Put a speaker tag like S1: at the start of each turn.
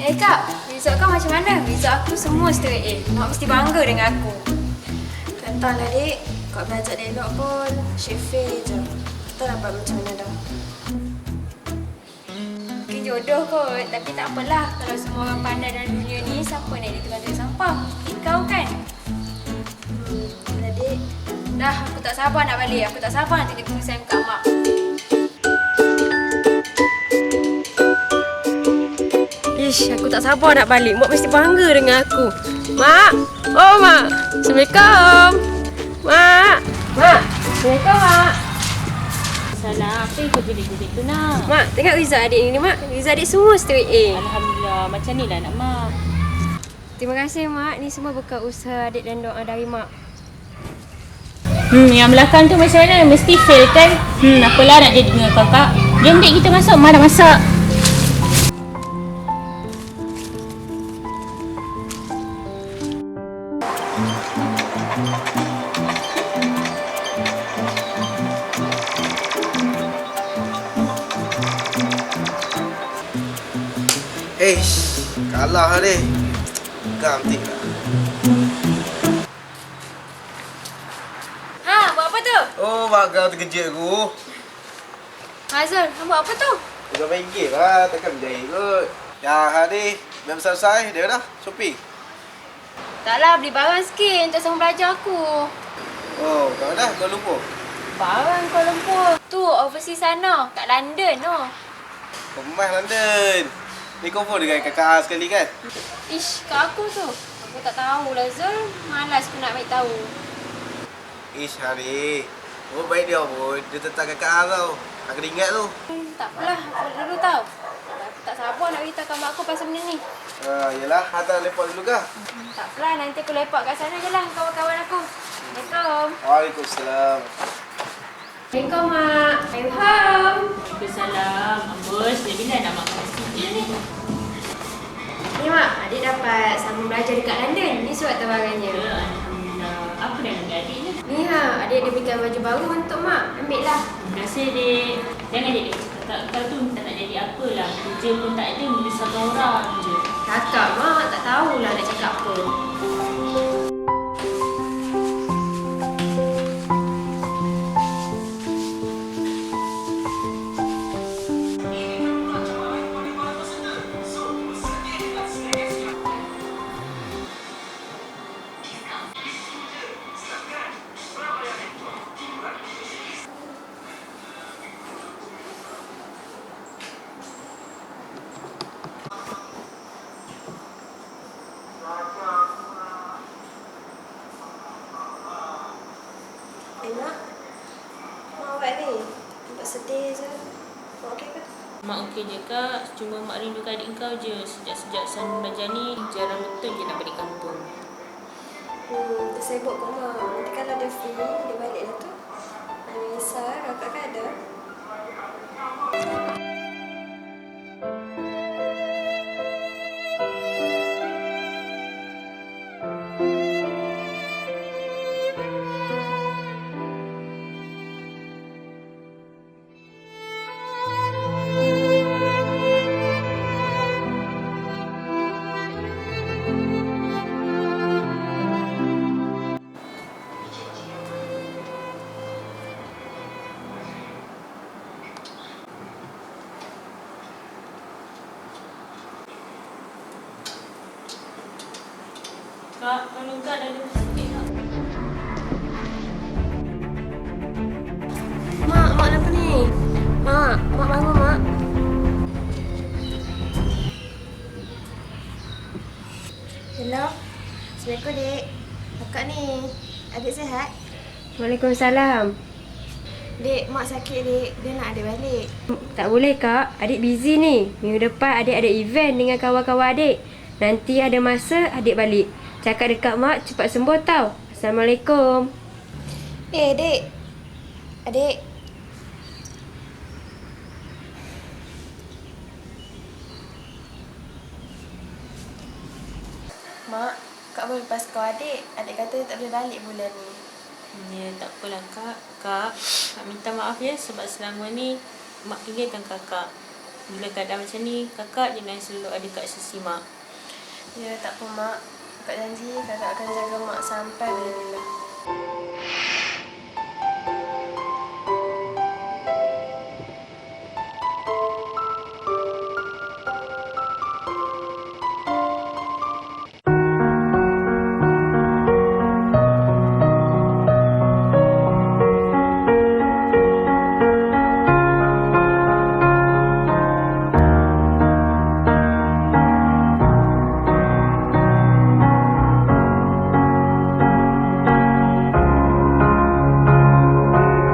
S1: Kak, result kau macam mana? Result aku semua straight A. Mak mesti bangga dengan aku.
S2: Entahlah dek, kau belajar elok pun shift fail je. Tak dapat macam mana dah.
S1: Mungkin jodoh kot, tapi tak apalah. Kalau semua orang pandai dalam dunia ni, siapa nak jadi tukang tarik sampah? Kau kan?
S2: Alah dek,
S1: Dah, aku tak sabar nak balik. Aku tak sabar nak tunjuk tulisan kat mak.
S3: Ish, aku tak sabar nak balik. Mak mesti bangga dengan aku. Mak! Oh, Mak! Assalamualaikum! Mak! Mak! Assalamualaikum, Mak!
S4: Salah, apa yang kau jerit-jerit tu nak?
S3: Mak, tengok result adik ni, Mak. Result adik semua straight A.
S4: Alhamdulillah, macam ni lah nak mak.
S3: Terima kasih, Mak. Ni semua berkat usaha adik dan doa dari Mak.
S4: Yang belakang tu macam mana? Mesti fail kan? Apalah nak jadi dengan kakak. Jom dek kita masuk, mak dah masak.
S5: Kalah lah deh. Ganti lah.
S1: Ha, buat apa tu?
S5: Oh, mak kau terkejut aku.
S1: Hazul, kau buat apa tu?
S5: Bukan main game lah, takkan berjaya kot. Ya, Hadi, dah selesai, dia dah, Shopee.
S1: Taklah, beli barang sikit untuk sambung belajar aku.
S5: Oh, kau dah, kau lupa.
S1: Barang Kuala Lumpur. Tu, overseas sana. Kat London tu.
S5: Kemas London. Ni confirm dengan kakak sekali kan?
S1: Ish, kat aku tu. Aku tak tahulah Zul. Malas aku nak ambil tahu.
S5: Ish, Hadi. Oh, baik dia pun. Dia tentang kakak tau. Aku dah ingat tu.
S1: Tak apalah, aku dulu tahu. Aku tak sabar nak beritahu kat mak aku pasal benda ni.
S5: Yelah, hantar lepak dulu kah?
S1: Tak apalah, nanti aku lepak kat sana je lah kawan-kawan aku. Assalamualaikum.
S5: Waalaikumsalam.
S1: Assalamualaikum, Mak. I'm home.
S4: Waalaikumsalam. Ambus, dia bila nak makan sini ni?
S1: Ni, Mak. Adik dapat sambung belajar dekat London. Ni surat tawarannya.
S4: Ya, Alhamdulillah. Apa dah dengan adik ni?
S1: Ni, adik ada belikan baju baru untuk Mak. Ambil lah.
S4: Terima kasih, dek. Jangan dek cakap kau tu tak nak jadi apalah. Kerja pun tak ada, menyusahkan orang je.
S1: Kakak, Mak. Tak tahulah nak cakap apa.
S2: Mak. Mak awak ni. Nampak sedih je. Mak okey ke?
S4: Mak okey je kak, cuma mak rindukan adik kau je. Sejak sambung belajar ni, jarang betul je nak balik kampung.
S2: Dia sibuk kok mak. Nanti kalau dia free, dia balik lah tu. Anissa, kakak kan ada.
S4: Kak, tolong kak dah ada sikit kak.
S3: Mak kenapa ni? Mak bangun, Mak.
S2: Hello. Assalamualaikum, dek. Kakak ni. Adik sihat?
S3: Waalaikumsalam.
S2: Dek, mak sakit, dek. Dia nak adik balik.
S3: Tak boleh, Kak. Adik busy ni. Minggu depan adik ada event dengan kawan-kawan adik. Nanti ada masa adik balik. Cakap dekat mak cepat sembuh tau. Assalamualaikum.
S2: Dek. Adik. Mak, Kak boleh lepas kau adik. Adik kata dia tak boleh balik bulan ni.
S4: Ya, tak apalah kak. Kak minta maaf ya sebab selama ni mak tinggalkan kakak. Bila keadaan macam ni, kakak jangan selalu ada kat sisi mak.
S2: Ya, tak apa mak. Kakak janji kakak akan jaga mak sampai bila-bila.